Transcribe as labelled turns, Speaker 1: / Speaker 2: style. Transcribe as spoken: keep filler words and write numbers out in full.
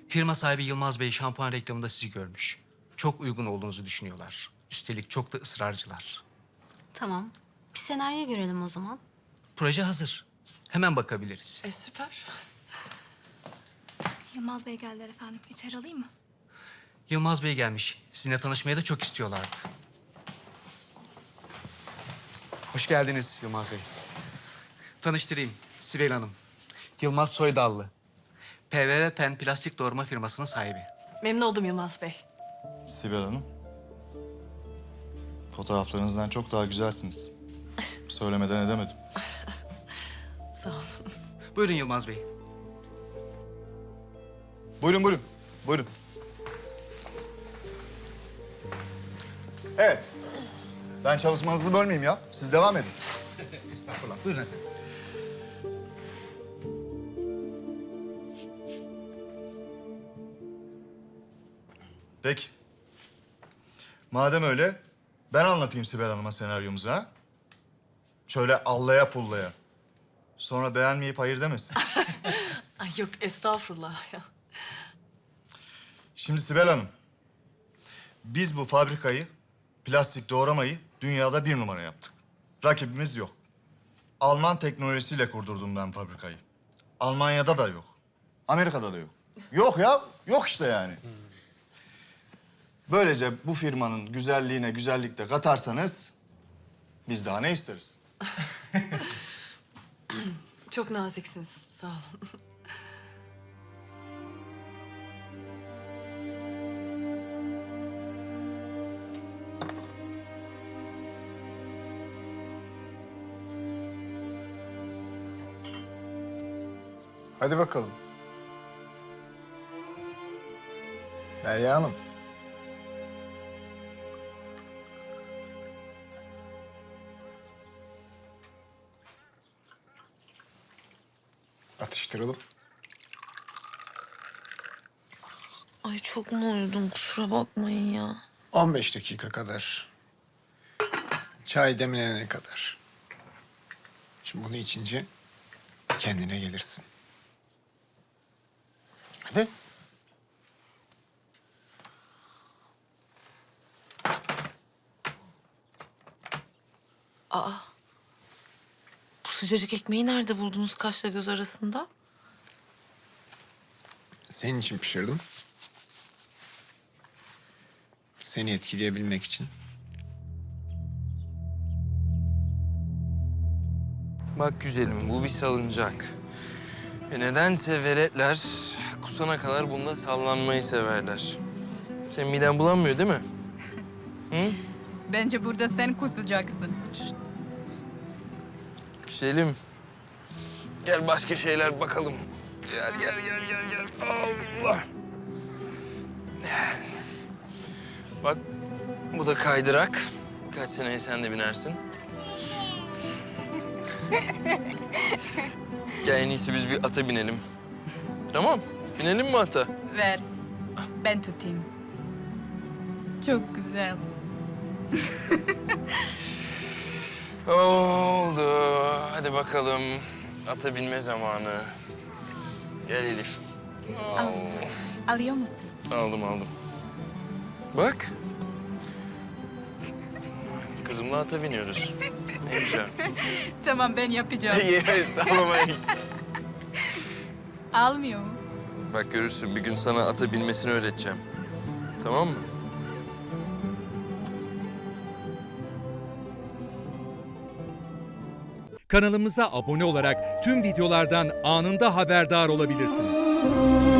Speaker 1: Firma sahibi Yılmaz Bey şampuan reklamında sizi görmüş. Çok uygun olduğunuzu düşünüyorlar. Üstelik çok da ısrarcılar.
Speaker 2: Tamam. Bir senaryo görelim o zaman.
Speaker 1: Proje hazır. Hemen bakabiliriz.
Speaker 3: E süper.
Speaker 4: Yılmaz Bey geldiler efendim. İçeri alayım mı?
Speaker 1: Yılmaz Bey gelmiş. Sizinle tanışmaya da çok istiyorlardı. Hoş geldiniz Yılmaz Bey. Tanıştırayım. Sibel Hanım. Yılmaz Soydallı. P V V Pen plastik doğurma firmasının sahibi.
Speaker 3: Memnun oldum Yılmaz Bey.
Speaker 5: Sibel Hanım. Fotoğraflarınızdan çok daha güzelsiniz. Söylemeden edemedim.
Speaker 3: Sağ olun.
Speaker 1: Buyurun Yılmaz Bey.
Speaker 5: Buyurun, buyurun. Buyurun. Evet. Ben çalışmanızı bölmeyeyim ya. Siz devam edin.
Speaker 1: Estağfurullah. Buyurun efendim.
Speaker 5: Peki. Madem öyle, ben anlatayım Sibel Hanım'a senaryomuzu ha. Şöyle allaya pullaya. Sonra beğenmeyip hayır demesin.
Speaker 3: Ay yok estağfurullah ya.
Speaker 5: Şimdi Sibel Hanım, biz bu fabrikayı, plastik doğramayı dünyada bir numara yaptık. Rakibimiz yok. Alman teknolojisiyle kurdurdum ben fabrikayı. Almanya'da da yok. Amerika'da da yok. Yok ya, yok işte yani. Böylece bu firmanın güzelliğine güzellik de katarsanız biz daha ne isteriz?
Speaker 3: Çok naziksiniz. Sağ olun.
Speaker 6: Hadi bakalım. Derya Hanım. Atıştıralım.
Speaker 7: Ay çok mu uyudum kusura bakmayın ya.
Speaker 6: on beş dakika kadar. Çay demlenene kadar. Şimdi bunu içince kendine gelirsin. Hadi.
Speaker 7: Aa. Bu sıcacık ekmeği nerede buldunuz kaşla göz arasında?
Speaker 6: Senin için pişirdim. Seni etkileyebilmek için.
Speaker 8: Bak güzelim, bu bir salıncak. Ve nedense veletler kusana kadar bunda sallanmayı severler. Senin miden bulanmıyor değil mi? Hı?
Speaker 9: Bence burada sen kusacaksın.
Speaker 8: Güzelim. Gel başka şeyler bakalım. Gel, gel, gel, gel, gel. Allah. Gel. Bak, bu da kaydırak. Birkaç seneye sen de binersin. Gel en iyisi biz bir ata binelim. Tamam, binelim mi ata?
Speaker 9: Ver. Ben tutayım. Çok güzel.
Speaker 8: Oldu. Hadi bakalım. Ata binme zamanı. Gel Elif.
Speaker 9: Al. Alıyor musun?
Speaker 8: Aldım aldım. Bak. Kızımla ata biniyoruz. Ne güzel.
Speaker 9: Tamam ben yapacağım.
Speaker 8: Yes, sallamayın.
Speaker 9: Almıyor mu?
Speaker 8: Bak görürsün bir gün sana ata binmesini öğreteceğim. Tamam mı?
Speaker 10: Kanalımıza abone olarak tüm videolardan anında haberdar olabilirsiniz.